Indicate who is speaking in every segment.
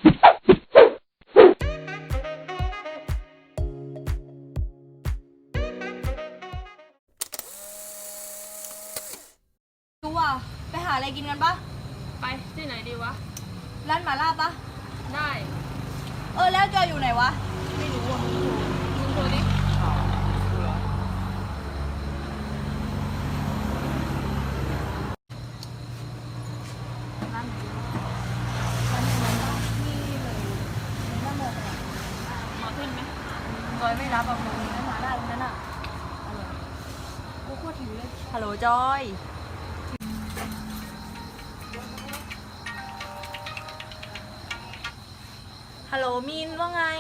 Speaker 1: ดูว่ะไปหาอะไรกินกันปะ
Speaker 2: ไปที่ไหนดีวะ
Speaker 1: ร้านหม่าล่าปะ
Speaker 2: ได้
Speaker 1: แล้วจอยอยู่ไหนวะ
Speaker 2: ไม่รู้อ่ะมึงโทรดิร้านไหนดีวะ
Speaker 1: ร้านที่เลยในหน้าโมกเลย
Speaker 2: มาขึ้นไหม
Speaker 1: จอยไม่รับอ่ะมึงร้านหม่าล่าตรงนั้นอ่ะกูโคตรหิวเลยฮัลโหลจอยฮัลโหลมินว่าไง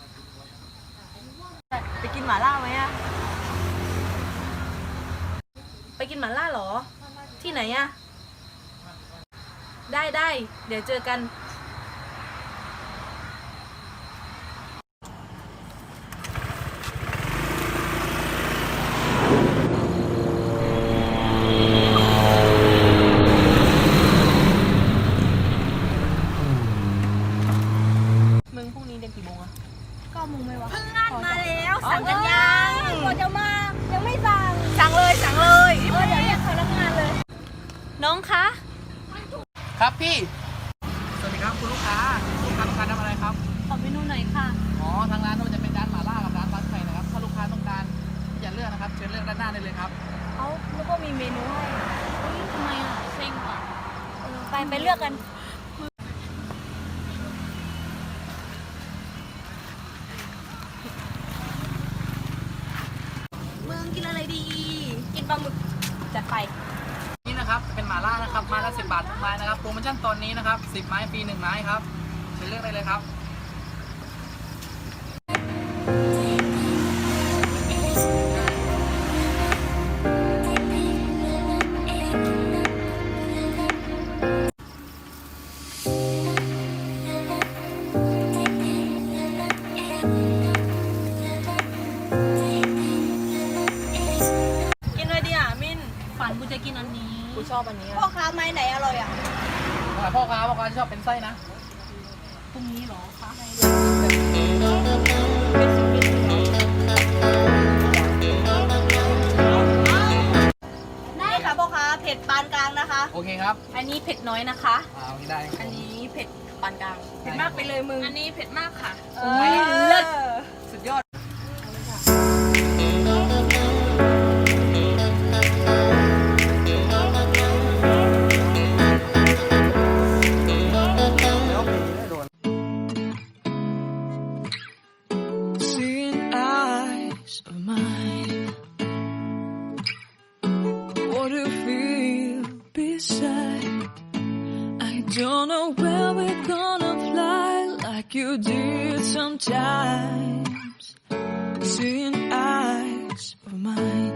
Speaker 1: ไปกินหม่าล่าไหมอะไปกินหม่าล่าเหรอที่ไหนอะได้เดี๋ยวเจอกันมึงพรุ่งนี้เรียนกี่โมงอะ9 โมงไหมวะ
Speaker 2: เพิ่งงานมาแล้ว
Speaker 1: สั่งกันยัง
Speaker 2: พอจะมายังไม่สั่ง
Speaker 1: สั่งเลย
Speaker 2: เดี๋ยวเรียกพนักงานเลย
Speaker 1: น้องคะ
Speaker 3: ครับพี่สวัสดีครับคุณลูกค้าต้องการทำอะไรครับ
Speaker 1: ขอเมนูหน่อยค่ะ
Speaker 3: ทางร้านเราจะเป็นร้านหม่าล่ากับร้านบัสไทยนะครับถ้าลูกค้าต้องการที่จะเลือกนะครับเชิญเลือกด้านหน้าได้เลยครับ
Speaker 1: แล้วก็มีเมนูให้
Speaker 2: ทำไมอ่ะเซ็งว่ะ
Speaker 1: ไปเลือกกันมึงกินอะไรดีกินปลาหมึกจัดไป
Speaker 3: นี่นะครับเป็นหม่าล่านะครับไม้ละ10 บาททุกไม้นะครับโปรโมชั่นตอนนี้นะครับ10 ไม้ฟรี1 ไม้ครับเชิญเลือกได้เลยครับ
Speaker 1: กินอะไรดีอ่ะมิน
Speaker 2: ฝันกูจะกินอันนี้
Speaker 1: กูชอบอันนี้พ่อค้าไม้ไหนอร่อยอ่ะ
Speaker 3: พ่อค้าชอบเป็นไส้นะ
Speaker 2: พรุ่งนี้หรอคะ
Speaker 1: ได้ค่ะพ่อค้าเผ็ดปานกลางนะคะ
Speaker 3: โอเคครับ
Speaker 1: อันนี้เผ็ดน้อยนะคะ
Speaker 3: ได้
Speaker 1: อันนี้เผ็ดปานกลางเผ็ดมากไปเลยมึง
Speaker 2: อันนี้เผ็ดมากค่ะ
Speaker 1: เลิศสุดยอด
Speaker 4: Don't know where we're gonna fly like you did sometimes. Seeing eyes of mine.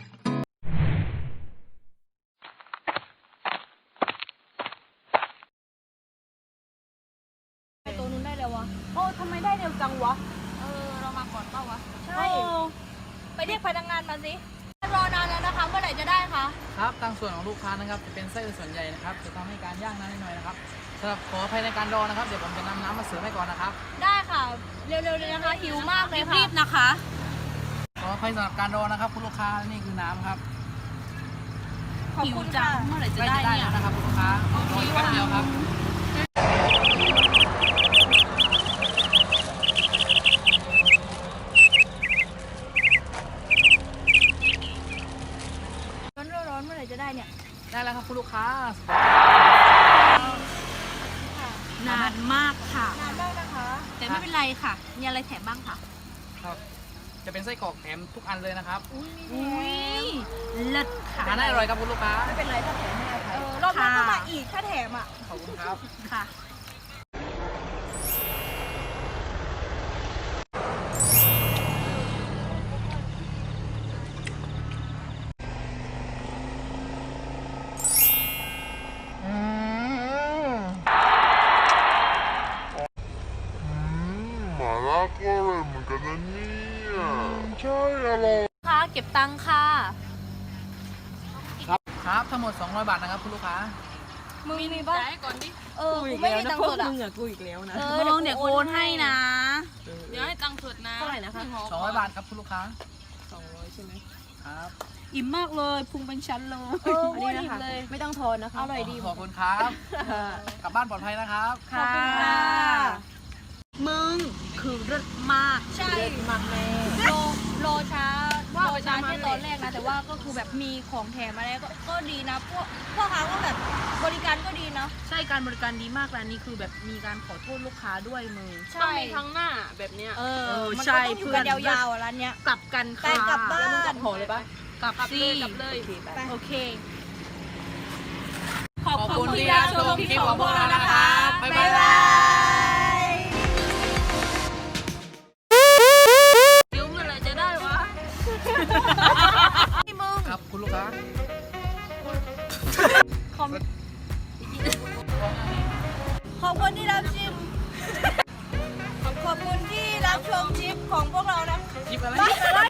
Speaker 1: ตัวนู้นได้แล้ววะทำไมได้เร็วจังวะ
Speaker 2: เรามาก่อนเปล่าวะ
Speaker 1: ใช่ไปเรียกพนักงานมาสิรอนานแล้วนะคะเมื่อไหร่จะได้คะ
Speaker 3: ครับทางส่วนของลูกค้านะครับจะเป็นไส้ส่วนใหญ่นะครับจะทำให้การย่างนานนิดหน่อยนะครับสำหรับขออภัยในการรอนะครับเดี๋ยวผมจะนำน้ำมาเสิร์ฟให้ก่อนนะครับ
Speaker 1: ได้ค่ะเร็วๆเลยนะคะหิวมากเลยค่ะ
Speaker 2: รีบๆนะคะ
Speaker 3: ขออภัยสำหรับการรอนะครับคุณลูกค้านี่คือน้ำครับ
Speaker 1: ขอบคุณค่ะ
Speaker 2: เมื่อไหร่จะได้เนี่ย
Speaker 3: นะครับคุณลูกค้ารออีกแป๊บเดียวครับ
Speaker 1: ร้อนเมื่อไหร่จะได้เนี่ย
Speaker 3: ได้แล้วครับคุณลูกค้าน
Speaker 2: านมากค่ะ
Speaker 1: นานมากนะคะ
Speaker 2: แต่ไม่เป็นไรค่ะมีอะไรแถมบ้างคะ
Speaker 3: ครับจะเป็นไส้กรอกแถมทุกอันเลยนะครับ
Speaker 2: อุ้ยเลิศค่ะ
Speaker 3: ทานได้อร่อยครับคุณลูกค้า
Speaker 1: ไม่เป็นไรถ้าแถมให้อภัยรอบหน้าก็มาอีกถ้าแถมอ่ะ
Speaker 3: ขอบคุณครับ
Speaker 2: ค่ะ
Speaker 5: ก็อร่อยเหมือนกันนะเนี่ยใช่อร่อย
Speaker 1: ค่ะเก็บตังค่ะ
Speaker 3: ครับทั้งหมด200 บาทนะครับคุณลูกค้า
Speaker 1: มึงมีป่ะ
Speaker 2: จ่ายก่อนดิ
Speaker 1: กูอีกแล้วนะพวกมึงอะกูอีกแล้วนะ
Speaker 2: เดี๋ยวโอนให้นะ
Speaker 1: เดี๋ยวให้ตังค์สดนะเท่าไหร่นะคะ
Speaker 3: 200 บาทครับคุณลูกค้า
Speaker 1: 200ใช่ไหม
Speaker 3: ครับ
Speaker 2: อิ่มมากเลยพุงเป็นชั้นเลย
Speaker 1: อันนี้นะคะไม่ต้องทอนนะคะ
Speaker 2: อร่อยดี
Speaker 3: ขอบคุณครับ กลับบ้านปลอดภัยนะครับ
Speaker 1: ขอบคุณค่ะ
Speaker 2: มึงคือเลิศมาก
Speaker 1: ใช่มากแม่
Speaker 2: โลช้าที่ตอนแรกนะแต่ว่าก็คือแบบมีของแถมมาแล้วก็ดีนะพวกเขาก็แบบบริการก็ดีนะใช่การบริการดีมากร้านนี้คือแบบมีการขอโทษลูกค้าด้วยมึง
Speaker 1: ต้องมีครั้งหน้าแบบเนี้ย
Speaker 2: มัน
Speaker 1: ใช่
Speaker 2: ก็ต้องอยู่กันยาวๆอ่ะร้านเนี้ยกลับกัน
Speaker 1: แต่
Speaker 2: ค่ะ
Speaker 1: กลับบ้านแล้วมึงกลับหอเลยปะ
Speaker 2: กลับสิ
Speaker 1: กลับเลย
Speaker 2: โอเค
Speaker 3: ขอบคุณที่รับชมคลิปของพวกเรานะครับ บ๊ายบาย
Speaker 1: ยิ้มอะไรจะได้วะ
Speaker 3: ครับคุณลูกค้า
Speaker 1: ขอบคุณที่รับชิม ขอบคุณที่รับชมคลิปของพวกเรานะ
Speaker 3: หยิบอะไร
Speaker 1: อะไร